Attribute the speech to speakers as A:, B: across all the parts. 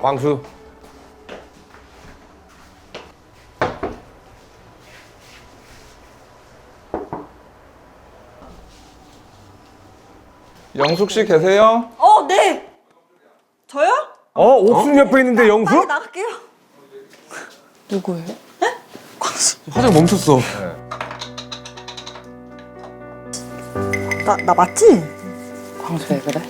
A: 광수.
B: 영숙 씨 계세요?
C: 네. 저요?
A: 옥순 옆에 있는데 영수?
C: 빨리 나갈게요.
D: 누구예요?
E: 화장 멈췄어.
C: 나 맞지?
D: 광수 왜 그래?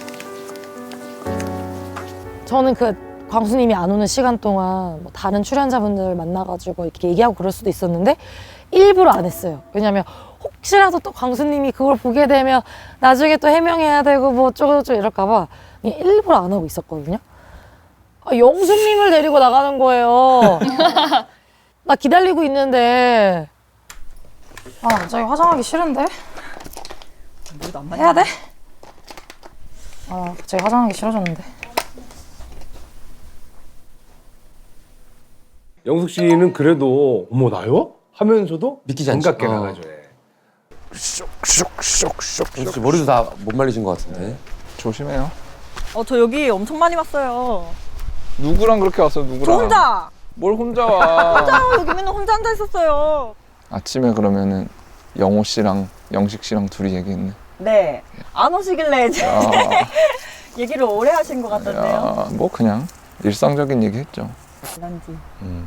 D: 저는 그 광수님이 안 오는 시간 동안 뭐 다른 출연자분들 만나가지고 이렇게 얘기하고 그럴 수도 있었는데 일부러 안 했어요. 왜냐면 혹시라도 또 광수님이 그걸 보게 되면 나중에 또 해명해야 되고 뭐 어쩌고저쩌고 이럴까 봐 그냥 일부러 안 하고 있었거든요. 영수님을 데리고 나가는 거예요. 나 기다리고 있는데 갑자기 화장하기 싫은데? 해야 돼? 갑자기 화장하기 싫어졌는데.
A: 영숙 씨는 그래도 어머 나요? 하면서도
E: 믿기지 않지.
A: 반갑게 나가죠.
E: 혹시 머리도 다 못 말리신 것 같은데.
B: 조심해요.
C: 저 여기 엄청 많이 왔어요.
B: 누구랑 그렇게 왔어요? 누구랑?
C: 저 혼자.
B: 뭘 혼자 와?
C: 여기 맨날 혼자 앉아 있었어요.
B: 아침에 그러면은 영호 씨랑 영식 씨랑 둘이 얘기했네.
C: 네. 안 오시길래 이제
B: 야,
C: 얘기를 오래 하신 것 같던데요.
B: 야, 뭐 그냥 일상적인 얘기 했죠.
C: 난지.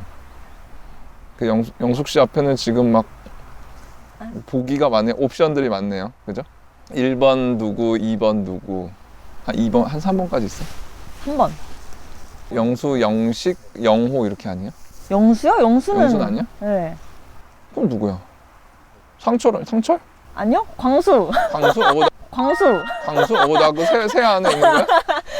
B: 그 영숙 씨 앞에는 지금 막 보기가 많네. 옵션들이 많네요. 그죠? 1번 누구, 2번 누구. 한 2번, 한 3번까지 있어.
C: 한 번.
B: 영수, 영식, 영호 이렇게 아니에요?
C: 영수요? 영수는.
B: 영수는 아니야?
C: 네.
B: 그럼 누구야? 상철?
C: 아니요? 광수.
B: 광수?
C: 광수.
B: 광수? 나 그 새 안에 있는 거야?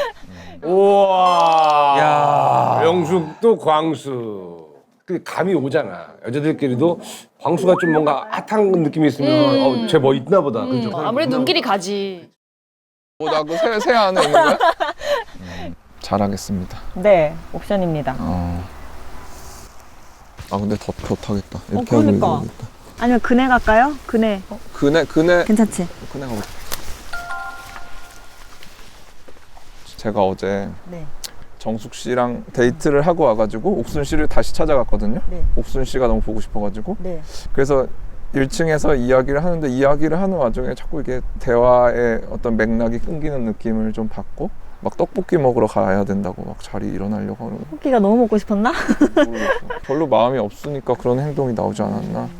A: 우와.
E: 야.
A: 영숙도 광수. 그 감이 오잖아. 여자들끼리도 광수가 좀 뭔가 핫한 느낌이 있으면 쟤 뭐 있나 보다. 그죠?
F: 아무래도 눈길이 가지.
B: 나 그 새 안에 있는 거야? 잘하겠습니다.
C: 네. 옵션입니다.
B: 근데 더 좋다겠다. 이렇게
C: 그러니까.
B: 하고 있다.
C: 아니면 그네 갈까요? 그네.
B: 그네
C: 괜찮지?
B: 그네가 어디? 제가 어제
C: 네.
B: 정숙 씨랑 데이트를 하고 와가지고 옥순 씨를 다시 찾아갔거든요.
C: 네.
B: 옥순 씨가 너무 보고 싶어가지고.
C: 네.
B: 그래서 1층에서 이야기를 하는데 이야기를 하는 와중에 자꾸 이게 대화의 어떤 맥락이 끊기는 느낌을 좀 받고 막 떡볶이 먹으러 가야 된다고 막 자리 일어나려고 하는 거
C: 토끼가 너무 먹고 싶었나?
B: 모르겠어. 별로 마음이 없으니까 그런 행동이 나오지 않았나.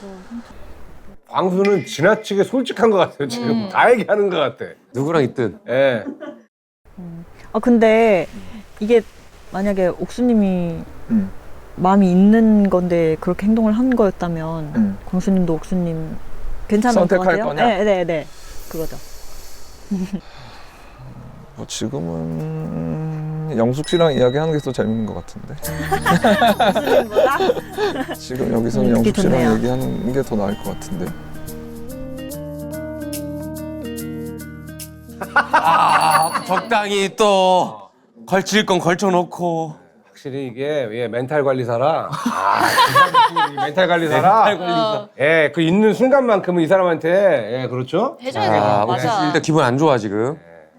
A: 광수는 지나치게 솔직한 것 같아요. 지금 다 얘기하는 것 같아.
E: 누구랑 있든.
A: 예.
C: 근데 이게 만약에 옥수님이
B: 음.
C: 마음이 있는 건데 그렇게 행동을 한 거였다면 광수님도 옥수님 괜찮을 것
B: 선택할
C: 같아요?
B: 거냐?
C: 네. 그거죠.
B: 뭐 지금은 영숙 씨랑 이야기하는 게 더 재밌는 것 같은데.
C: 옥수님보다?
B: 지금 여기서는
C: 그게
B: 영숙 씨랑
C: 좋네요.
B: 얘기하는 게 더 나을 것 같은데.
E: 적당히 또 걸칠 건 걸쳐놓고.
A: 확실히 이게 멘탈 관리사라. 멘탈 관리사라. 예, 그 있는 순간만큼은 이 사람한테 그렇죠?
F: 해줘야 돼.
E: 옥순 씨
F: 맞아.
E: 일단 기분 안 좋아 지금.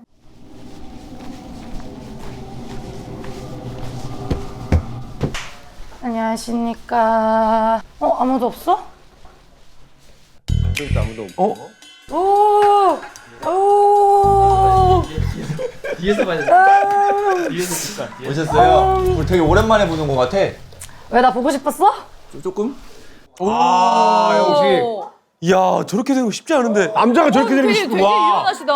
D: 안녕하십니까. 아무도 없어?
A: 그래도 아무도 없고.
D: 오! 오!
G: 오셨어요? 우리 되게 오랜만에 보는 것 같아.
D: 왜 나 보고 싶었어?
G: 조금?
A: 영식.
E: 이야 저렇게 되는 거 쉽지 않은데.
A: 남자가 저렇게 되는 게
F: 되게
A: 쉽고. 와.
F: 유연하시다.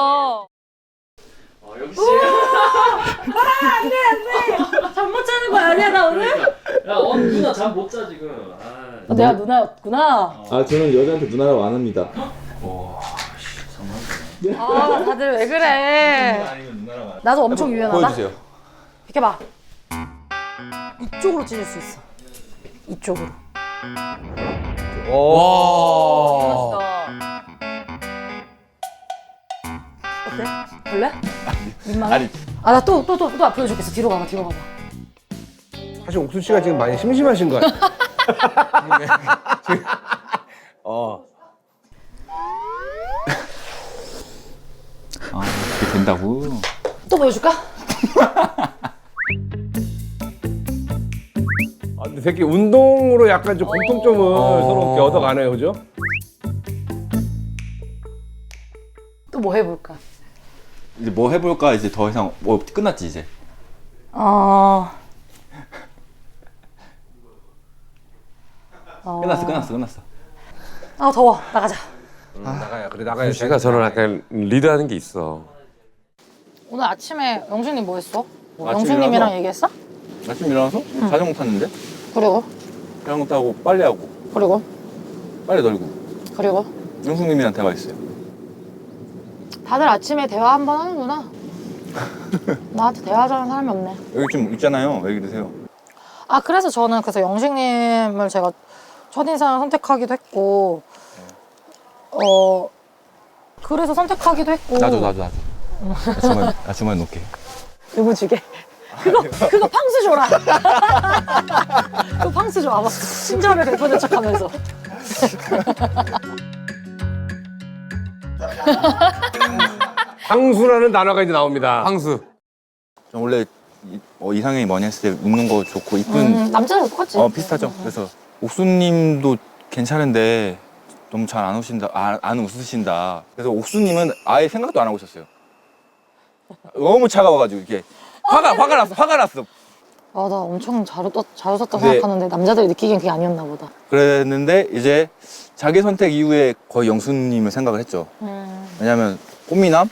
D: 잠 못 자는 거 아니야 나 오늘?
H: 야, 누나 잠 못 자 지금.
D: 내가 누나였구나.
G: 아, 저는 여자한테 누나라고 안 합니다.
D: 다들 왜 그래? 나도 엄청 유연하다.
E: 보여주세요.
D: 비켜봐. 이쪽으로 찢을 수 있어. 이쪽으로.
E: 와.
D: 어때? 볼래? 민망해? 나 또 보여줄겠어. 뒤로 가봐.
A: 사실 옥순 씨가 지금 많이 심심하신 것 같아요.
G: 그게 된다고?
D: 또 보여줄까?
A: 근데 새끼 운동으로 약간 좀 공통점을 서로 이렇게 얻어가네요, 그죠?
D: 또 뭐 해볼까?
G: 이제 뭐 해볼까? 이제 더 이상 뭐 끝났지 이제. 끝났어.
D: 아 더워. 나가자.
A: 나가야 그래 나가야.
E: 씨가 저는 약간 리드하는 게 있어.
D: 오늘 아침에 영수님 뭐 했어?
G: 아침에
D: 영수님이랑
G: 일어나서?
D: 얘기했어?
G: 아침 일어나서 자전거 탔는데
D: 그리고
G: 자전거 타고 빨래하고
D: 그리고
G: 빨래 널고
D: 그리고
G: 영숙님이랑 대화했어요.
D: 다들 아침에 대화 한 번 하는구나. 나한테 대화하자는 사람이 없네.
G: 여기 좀 있잖아요. 왜 그러세요?
D: 아 그래서 저는 그래서 영식님을 제가 첫인상을 선택하기도 했고 그래서 선택하기도 했고
G: 나도. 아침에 놓게.
D: 누구 주게? 그거 팡수 줘라. 그거 팡수 줘. 아마 친절을 베푸는 척하면서.
A: 황수라는 단어가 이제 나옵니다.
E: 황수.
G: 저 원래 이상형이 뭐냐 했을 때 웃는 거 좋고 이쁜
D: 남자랑 똑같지?
G: 비슷하죠. 그래서 옥수님도 괜찮은데 너무 잘 안 웃으신다. 안 웃으신다. 그래서 옥수님은 아예 생각도 안 하고 있었어요. 너무 차가워가지고 이게 화가 났어.
D: 아 나 엄청 잘 웃었다
G: 네.
D: 생각하는데 남자들이 느끼기엔 그게 아니었나 보다.
G: 그랬는데 이제 자기 선택 이후에 거의 영수님을 생각을 했죠. 왜냐면 꽃미남?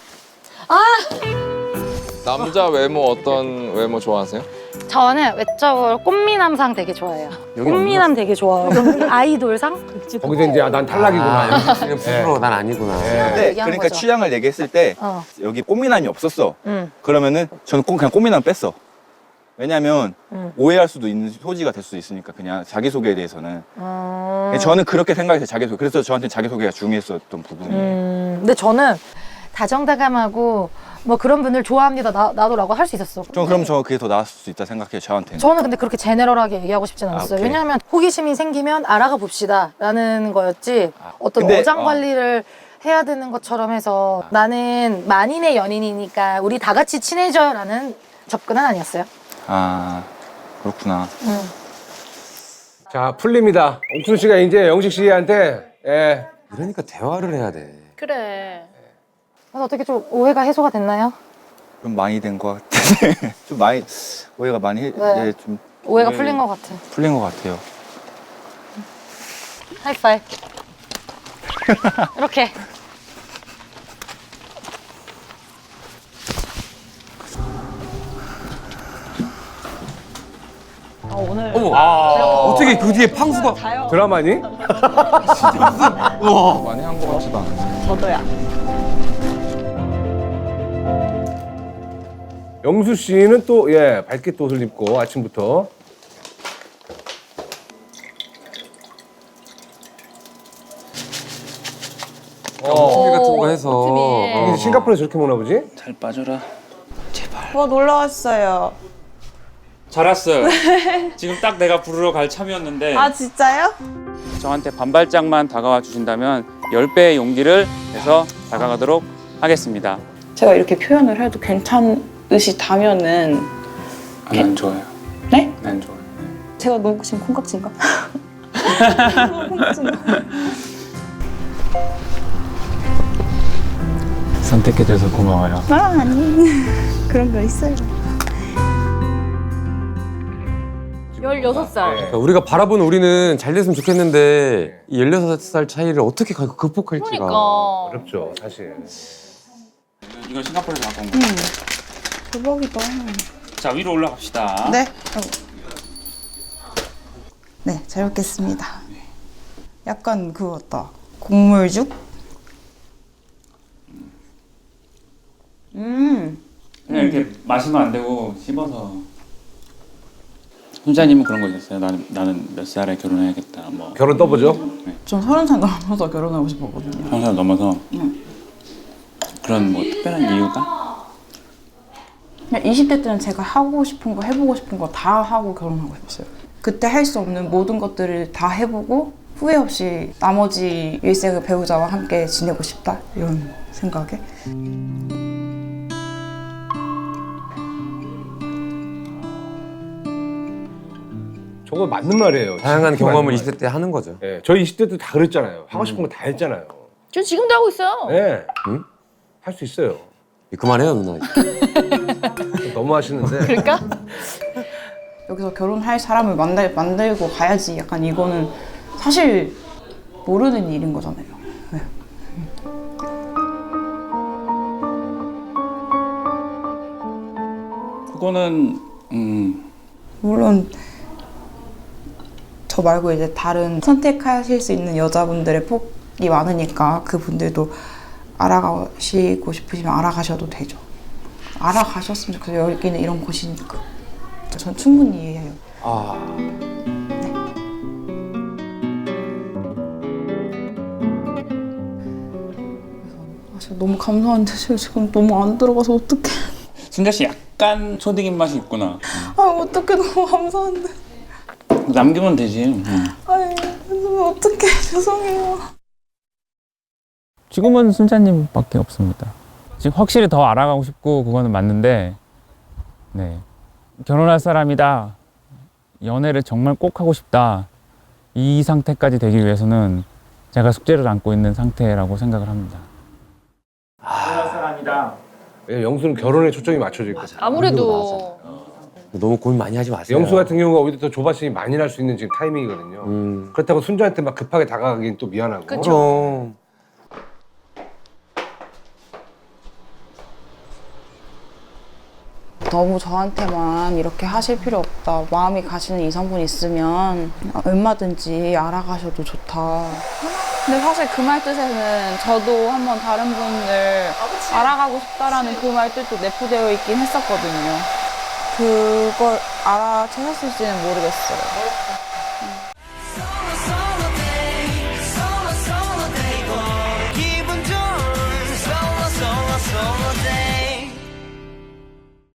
B: 남자 외모 어떤 외모 좋아하세요?
D: 저는 외적으로 꽃미남상 되게 좋아해요. 꽃미남 되게 좋아해요. 아이돌상?
A: 거기서 이제 난 탈락이구나.
E: 그냥 부끄러워. 난 아니구나.
G: 근데
D: 얘기한
G: 그러니까
D: 거죠.
G: 취향을 얘기했을 때 여기 꽃미남이 없었어. 그러면은 저는 그냥 꽃미남 뺐어. 왜냐면 오해할 수도 있는 소지가 될 수 있으니까 그냥 자기소개에 대해서는 저는 그렇게 생각해서 자기소개. 그래서 저한테 자기소개가 중요했었던 부분이에요.
D: 근데 저는 다정다감하고 뭐 그런 분들 좋아합니다. 나도라고 할 수 있었어.
G: 그럼 그게 더 나았을 수 있다 생각해요. 저한테는.
D: 저는 근데 그렇게 제네럴하게 얘기하고 싶진 않았어요.
G: 오케이.
D: 왜냐하면 호기심이 생기면 알아가 봅시다 라는 거였지 어떤
G: 근데,
D: 어장 관리를 해야 되는 것처럼 해서 나는 만인의 연인이니까 우리 다 같이 친해져요 라는 접근은 아니었어요.
G: 아 그렇구나.
A: 자 풀립니다. 옥순 씨가 이제 영식 씨한테
E: 그러니까 대화를 해야 돼.
D: 그래. 그래서 어떻게 좀 오해가 해소가 됐나요?
G: 좀 많이 된 것 같은데 좀 많이 오해가 많이
D: 네.
G: 좀
D: 오해가
G: 오해-
D: 풀린 것 같아.
G: 풀린 것 같아요.
D: 하이파이. 이렇게.
C: 오늘
E: 어머. 어떻게 그 뒤에 팡수가.
A: 드라마니?
B: 많이 한 것 같지도 않아요.
C: 저도야.
A: 영수 씨는 또 밝게 또 옷을 입고 아침부터
E: 커피 같은 거 해서.
A: 이게 싱가포르에서 저렇게 먹나 보지?
G: 잘 빠져라.
F: 놀러 왔어요.
I: 잘 왔어요. 지금 딱 내가 부르러 갈 참이었는데
F: 아 진짜요?
I: 저한테 반발짝만 다가와 주신다면 10배의 용기를 내서 다가가도록 하겠습니다.
F: 제가 이렇게 표현을 해도 괜찮으시다면은
I: 난 좋아요.
F: 네?
I: 난 좋아요.
F: 제가 너무 지금 콩깍지인가? 너무 콩깍지인가?
I: 선택해줘서 고마워요.
F: 아니 그런 거 있어요.
C: 16살.
E: 그러니까 우리가 바라본 우리는 잘 됐으면 좋겠는데 이 16살 차이를 어떻게 극복할지가.
A: 어렵죠 사실.
I: 이건 싱가포르에서 갖고 온 거.
F: 대박이다.
I: 자, 위로 올라갑시다.
F: 네. 네, 잘 먹겠습니다. 약간 그거 같다. 국물죽?
I: 그냥 이렇게 마시면 안 되고 씹어서. 훈자님은 그런 거 있었어요. 나는 몇 살에 결혼해야겠다. 뭐
A: 결혼 떠보죠.
F: 전 30살 넘어서 결혼하고 싶었거든요.
I: 한 살 넘어서 그런 뭐 특별한 이유가?
F: 그냥 20대 때는 제가 하고 싶은 거, 해보고 싶은 거 다 하고 결혼하고 싶었어요. 그때 할 수 없는 모든 것들을 다 해보고 후회 없이 나머지 일생을 배우자와 함께 지내고 싶다 이런 생각에.
A: 저거 맞는 말이에요.
E: 다양한
A: 진짜
E: 경험을
A: 맞는
E: 20대 때 하는 거죠.
A: 말이에요. 예, 저희 20대 때 다 그랬잖아요. 하고 싶은 거 다 했잖아요.
D: 저 지금도 하고 있어요.
A: 예,
E: 응?
A: 할 수 있어요.
E: 그만해요 누나.
A: 너무 하시는데.
D: 그러니까
F: 여기서 결혼할 사람을 만들고 가야지. 약간 이거는 사실 모르는 일인 거잖아요. 네.
I: 그거는
F: 물론 저 말고 이제 다른 선택하실 수 있는 여자분들의 폭이 많으니까 그분들도 알아가시고 싶으시면 알아가셔도 되죠. 알아가셨으면 좋겠어요. 여기는 이런 곳이니까. 전 충분히 이해해요. 지금 너무 감사한데 지금 너무 안 들어가서 어떡해.
I: 순자 씨 약간 초딩 입맛이 있구나.
F: 아 어떡해 너무 감사한데.
I: 남기면 되지.
F: 아니 어떡해 죄송해요.
J: 지금은 순자님밖에 없습니다. 지금 확실히 더 알아가고 싶고 그거는 맞는데, 네, 결혼할 사람이다, 연애를 정말 꼭 하고 싶다, 이 상태까지 되기 위해서는 제가 숙제를 안고 있는 상태라고 생각을 합니다. 결혼할 사람이다.
A: 예, 영수는 결혼에 초점이 맞춰져 있고.
D: 아무래도
E: 너무 고민 많이 하지 마세요.
A: 영수 같은 경우가 오히려 더 조바심이 많이 날 수 있는 지금 타이밍이거든요. 그렇다고 순자한테 막 급하게 다가가긴 또 미안하고.
E: 그럼.
F: 너무 저한테만 이렇게 하실 필요 없다. 마음이 가시는 이성분 있으면 얼마든지 알아가셔도 좋다. 근데 사실 그 말 뜻에는 저도 한번 다른 분을 알아가고 싶다라는 그 말 뜻도 내포되어 있긴 했었거든요. 그걸 알아채셨을지는 모르겠어요.